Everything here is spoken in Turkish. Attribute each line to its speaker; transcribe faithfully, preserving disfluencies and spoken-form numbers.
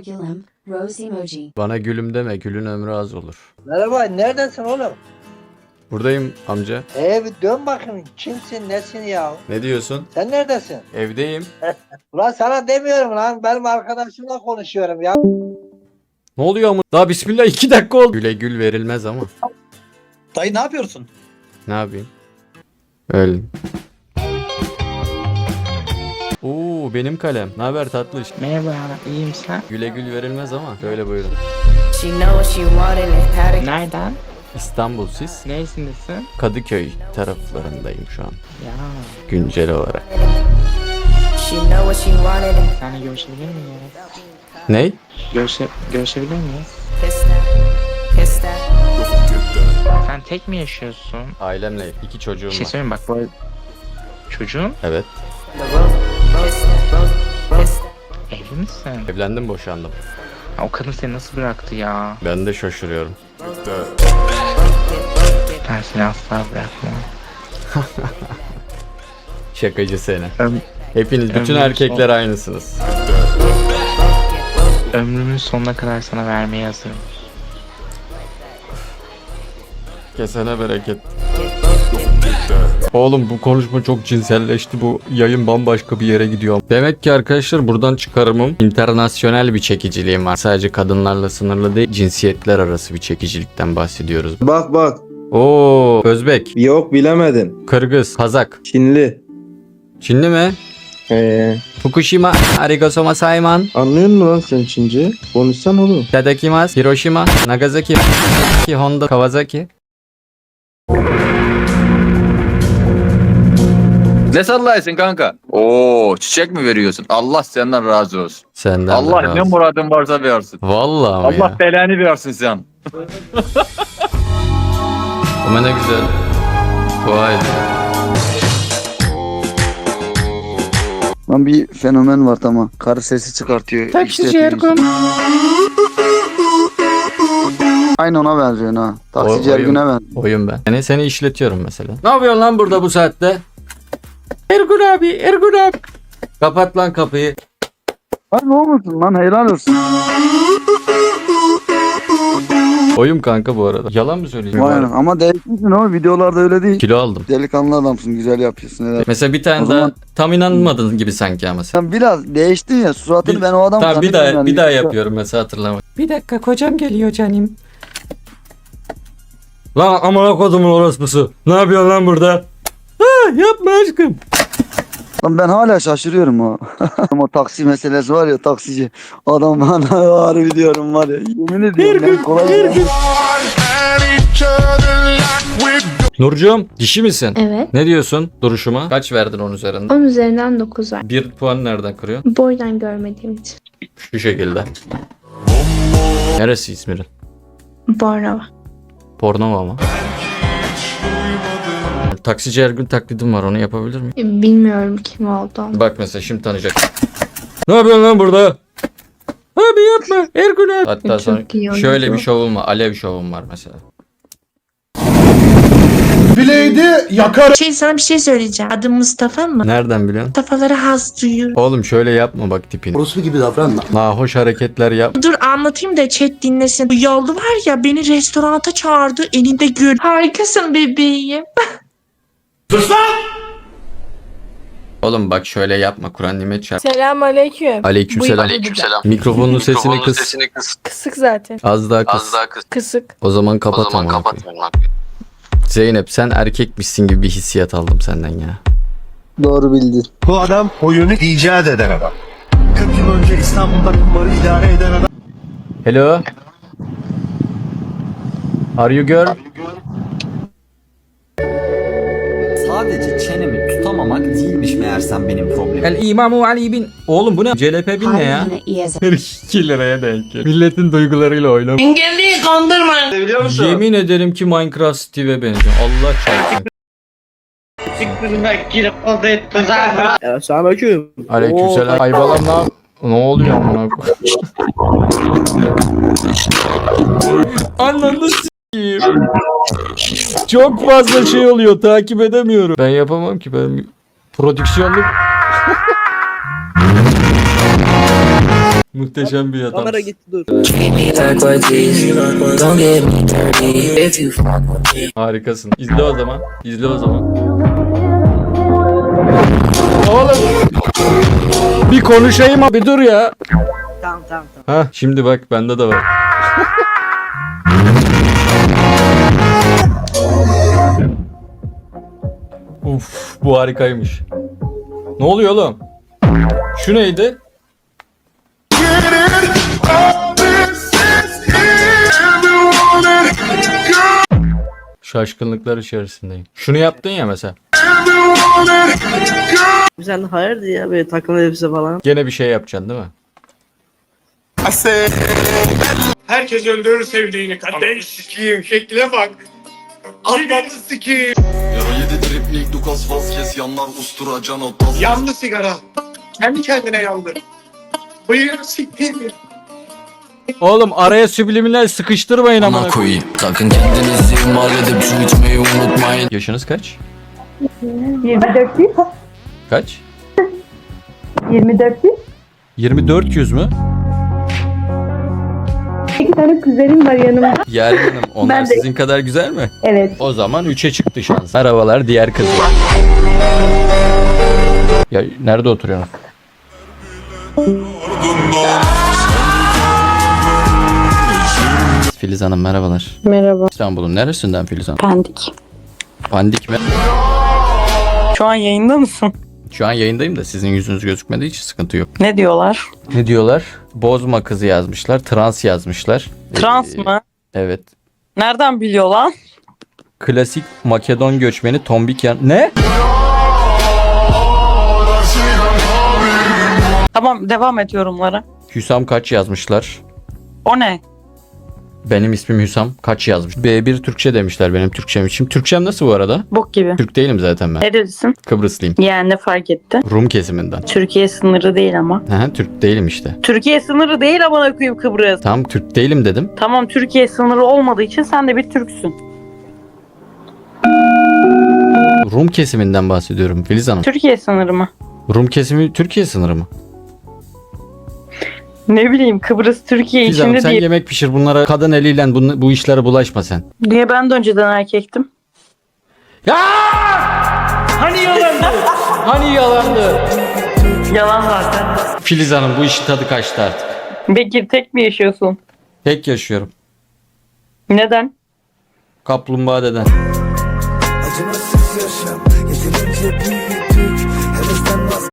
Speaker 1: gülüm, rose emoji.
Speaker 2: Bana gülüm deme, gülün ömrü az olur.
Speaker 3: Merhaba, neredesin oğlum?
Speaker 2: Buradayım amca.
Speaker 3: Ee bir dön bakayım, kimsin, nesin ya?
Speaker 2: Ne diyorsun?
Speaker 3: Sen neredesin?
Speaker 2: Evdeyim.
Speaker 3: Ulan sana demiyorum lan, benim arkadaşımla konuşuyorum ya.
Speaker 2: Ne oluyor ama? Daha bismillah iki dakika oldu. Güle gül verilmez ama.
Speaker 4: Dayı ne yapıyorsun?
Speaker 2: Ne yapayım? Öyle. Oo benim kalem. Ne haber tatlış?
Speaker 5: Merhaba, iyiyim sen?
Speaker 2: Güle gül verilmez ama. Böyle buyurun.
Speaker 6: She know what she wanted and had it.
Speaker 5: Nereden?
Speaker 2: İstanbul siz?
Speaker 5: Neresindesin?
Speaker 2: Kadıköy taraflarındayım şu an.
Speaker 5: Ya,
Speaker 2: Güncel olarak.
Speaker 6: She know what she wanted and
Speaker 5: seninle görüşebilir miyiz?
Speaker 2: Ney?
Speaker 5: Görüşe, görüşebilir miyiz?
Speaker 6: pissed that, pissed that.
Speaker 5: Sen tek mi yaşıyorsun?
Speaker 2: Ailemle iki çocuğum
Speaker 5: Bir şey
Speaker 2: var.
Speaker 5: söyleyeyim mi? Bak bu arada- çocuğun
Speaker 2: Evet.
Speaker 6: The rose, rose, rose, pissed that.
Speaker 5: evli misin?
Speaker 2: Evlendim, boşandım.
Speaker 5: Ha, o kadın seni nasıl bıraktı ya?
Speaker 2: Ben de şaşırıyorum.
Speaker 5: Ben seni asla bırakmam.
Speaker 2: Şakacı seni.
Speaker 5: Öm,
Speaker 2: Hepiniz, bütün
Speaker 5: Ömrüm
Speaker 2: erkekler aynısınız.
Speaker 5: ömrümün sonuna kadar sana vermeye hazırım.
Speaker 2: Kesene bereket. Oğlum bu konuşma çok cinselleşti. Bu yayın bambaşka bir yere gidiyor. Demek ki arkadaşlar buradan çıkarımım internasyonel bir çekiciliğim var. Sadece kadınlarla sınırlı değil, cinsiyetler arası bir çekicilikten bahsediyoruz.
Speaker 7: Bak bak.
Speaker 2: Oo, Özbek,
Speaker 7: Yok bilemedin.
Speaker 2: Kırgız, Kazak,
Speaker 7: Çinli.
Speaker 2: Çinli mi?
Speaker 7: Ee,
Speaker 2: Fukushima, arigato sayman,
Speaker 7: anlıyor musun lan sen Çince? Konuşsan oğlum.
Speaker 2: Tadakimasu, Hiroshima, Nagasaki, Honda, Kawasaki.
Speaker 8: Ne sallaysın kanka? Oo, çiçek mi veriyorsun? Allah senden razı olsun.
Speaker 2: Senden de
Speaker 8: Allah
Speaker 2: razı.
Speaker 8: ne muradın varsa versin.
Speaker 2: Vallahi ama
Speaker 8: Allah
Speaker 2: ya.
Speaker 8: belanı versin sen.
Speaker 2: Ama ne güzel. Vay.
Speaker 9: Lan bir fenomen var tamam. Karı sesi çıkartıyor.
Speaker 5: Taksici Ergun.
Speaker 9: Aynı ona benziyor ha. Taksici
Speaker 2: O- oyun.
Speaker 9: Ergun'a benziyor.
Speaker 2: Oyun ben. Yani seni işletiyorum mesela. Ne yapıyorsun lan burada bu saatte? Ergun abi, Ergun abi. Kapat lan kapıyı.
Speaker 9: Lan ne olmasın lan helal olsun.
Speaker 2: Oyun kanka bu arada. Yalan mı söyleyeceğim?
Speaker 9: Vay anam. Ama değişmişsin ama videolarda öyle değil.
Speaker 2: Kilo aldım.
Speaker 9: Delikanlı adamsın güzel yapıyorsun helal.
Speaker 2: Mesela bir tane
Speaker 9: O
Speaker 2: daha
Speaker 9: zaman-
Speaker 2: tam inanmadın gibi sanki ama sen.
Speaker 9: Sen biraz değiştin ya suratını
Speaker 2: Bir-
Speaker 9: ben o adam
Speaker 2: Tamam bir
Speaker 9: zannediyorum
Speaker 2: daha
Speaker 9: yani.
Speaker 2: bir daha yapıyorum mesela hatırlama. Bir dakika kocam geliyor canım. Lan amına kodumun orospusu. Ne yapıyorsun lan burada? Ha, yapma aşkım.
Speaker 9: Lan ben hala şaşırıyorum o. o taksi meselesi var ya taksici. Adam bana harbi diyorum var ya. Yemin ediyorum ben kolay değil.
Speaker 2: Nurcuğum dişi misin?
Speaker 10: Evet.
Speaker 2: Ne diyorsun duruşuma? Kaç verdin onun üzerinde?
Speaker 10: on üzerinden dokuz var.
Speaker 2: Bir puan nereden kırıyorsun?
Speaker 10: Boydan görmediğim için.
Speaker 2: Şu şekilde. Neresi İzmir'in?
Speaker 10: Bornova.
Speaker 2: Bornova mı? Taksici Ergun taklidim var, onu yapabilir miyim?
Speaker 10: E, Bilmiyorum kim olduğunu.
Speaker 2: Bak mesela şimdi tanıyacak. Ne yapıyorsun lan burada? Abi yapma Ergun abi. Hatta
Speaker 10: Çok
Speaker 2: sonra
Speaker 10: iyi oyuncu.
Speaker 2: şöyle bir şovum var. Alev şovum var mesela.
Speaker 11: Şey sana bir şey söyleyeceğim. Adım Mustafa mı?
Speaker 2: Nereden biliyorsun?
Speaker 11: Mustafa'lara haz duyuyor.
Speaker 2: Oğlum şöyle yapma bak tipini.
Speaker 9: Orospu gibi davranma.
Speaker 2: Nahoş hareketler yap.
Speaker 11: Dur anlatayım da chat dinlesin. Bu yollu var ya beni restoranta çağırdı elinde gül. Harikasın bebeğim.
Speaker 2: Oğlum bak şöyle yapma, Kur'an nimet çarp.
Speaker 12: Selam aleyküm.
Speaker 2: Aleykümselam.
Speaker 12: Aleykümselam.
Speaker 2: Mikrofonun sesini kıs.
Speaker 12: Kısık zaten.
Speaker 2: Az daha kıs.
Speaker 12: Kısık.
Speaker 2: O zaman kapat ama. Zeynep sen erkekmişsin gibi bir hissiyat aldım senden ya.
Speaker 9: Doğru bildin.
Speaker 4: Bu adam oyunu icat eden adam. kırk yıl önce İstanbul'da kumarı idare eden adam.
Speaker 2: Hello. Are you girl?
Speaker 13: Sadece çenemi tutamamak değilmiş meğersem benim problemim.
Speaker 2: El İmamu Ali bin. Oğlum bu ne? C L P bin ne ya? iki liraya denk gel. Milletin duygularıyla oynama.
Speaker 11: Engelliyi kandırma.
Speaker 8: Biliyor musun?
Speaker 2: Yemin ederim ki Minecraft Steve'e benziyor. Allah çarpsın.
Speaker 3: Selamünaleyküm.
Speaker 2: Aleykümselam. Aybalam ne yap- Ne oluyor amına koyayım? Ananı s**eyim. Çok fazla şey oluyor, takip edemiyorum. Ben yapamam ki, ben prodüksiyonluk. Muhteşem bir adam.
Speaker 3: Kamera gitti dur.
Speaker 2: Harikasın. İzle o zaman. İzle o zaman. Oğlum. Bir konuşayım abi dur ya.
Speaker 3: Tamam tamam tamam.
Speaker 2: Ha şimdi bak bende de var. Uf bu harikaymış. Ne oluyor oğlum? Şu neydi? Şaşkınlıklar içerisindeyim. Şunu yaptın ya mesela.
Speaker 3: Sen hayırdır ya böyle takım elbise falan.
Speaker 2: Gene bir şey yapacaksın değil mi?
Speaker 4: Herkes öldürür sevdiğini. Kardeş sikiyim şekline bak. Anlamı sikiyim.
Speaker 13: Yara yedi triplik Lucas Vazquez yanlar ustura can otaz.
Speaker 4: Yandı sigara. Kendi kendine yandı. Bıyığını sikeyim.
Speaker 2: Oğlum araya subliminal sıkıştırmayın amına koyayım.
Speaker 13: Sakın kendinizi ihmal edip su içmeyi unutmayın.
Speaker 2: Yaşınız kaç?
Speaker 10: yirmi dört yüz.
Speaker 2: Kaç?
Speaker 10: yirmi dört yüz.
Speaker 2: yirmi dört yüz mü?
Speaker 10: İki tane kuzenim var yanımda.
Speaker 2: Yer Hanım onlar
Speaker 10: Ben de-
Speaker 2: sizin kadar güzel mi?
Speaker 10: Evet.
Speaker 2: O zaman üçe çıktı şans. Merhabalar diğer kızı. Ya nerede oturuyorsun? Filiz Hanım merhabalar.
Speaker 10: Merhaba.
Speaker 2: İstanbul'un neresinden Filiz Hanım?
Speaker 10: Pendik.
Speaker 2: Pandik mi?
Speaker 11: Şu an yayında mısın?
Speaker 2: Şu an yayındayım da sizin yüzünüz gözükmediği için sıkıntı yok.
Speaker 11: Ne diyorlar?
Speaker 2: Ne diyorlar? Bozma kızı yazmışlar. Trans yazmışlar.
Speaker 11: Trans
Speaker 2: Ee,
Speaker 11: mı?
Speaker 2: Evet.
Speaker 11: Nereden biliyor lan?
Speaker 2: Klasik Makedon göçmeni tombik yan... Ne?
Speaker 11: Tamam devam et yorumlara.
Speaker 2: Hüsam kaç yazmışlar?
Speaker 11: O ne?
Speaker 2: Benim ismim Hüsam kaç yazmış? B bir Türkçe demişler benim Türkçem için. Türkçem nasıl bu arada?
Speaker 11: Bok gibi.
Speaker 2: Türk değilim zaten ben.
Speaker 11: Nerelisin?
Speaker 2: Kıbrıslıyım.
Speaker 11: Yani ne fark etti?
Speaker 2: Rum kesiminden.
Speaker 11: Türkiye sınırı değil ama.
Speaker 2: Aha, Türk değilim işte.
Speaker 11: Türkiye sınırı değil amına koyayım Kıbrıs.
Speaker 2: Tamam Türk değilim dedim.
Speaker 11: Tamam Türkiye sınırı olmadığı için sen de bir Türksün.
Speaker 2: Rum kesiminden bahsediyorum Filiz Hanım.
Speaker 11: Türkiye sınırı mı?
Speaker 2: Rum kesimi Türkiye sınırı mı?
Speaker 11: Ne bileyim Kıbrıs Türkiye
Speaker 2: Filiz Hanım
Speaker 11: içinde
Speaker 2: sen
Speaker 11: değil.
Speaker 2: yemek pişir bunlara kadın eliyle bu, bu işlere bulaşma sen.
Speaker 11: Niye ben de önceden erkektim?
Speaker 2: Ya! Hani yalandı? Hani yalandı?
Speaker 11: Yalan zaten.
Speaker 2: Filiz Hanım bu işin tadı kaçtı artık.
Speaker 11: Bekir tek mi yaşıyorsun?
Speaker 2: Tek yaşıyorum.
Speaker 11: Neden?
Speaker 2: Kaplumbağa deden.
Speaker 4: Acımasız yaşam yeterince büyüdük. Hevesten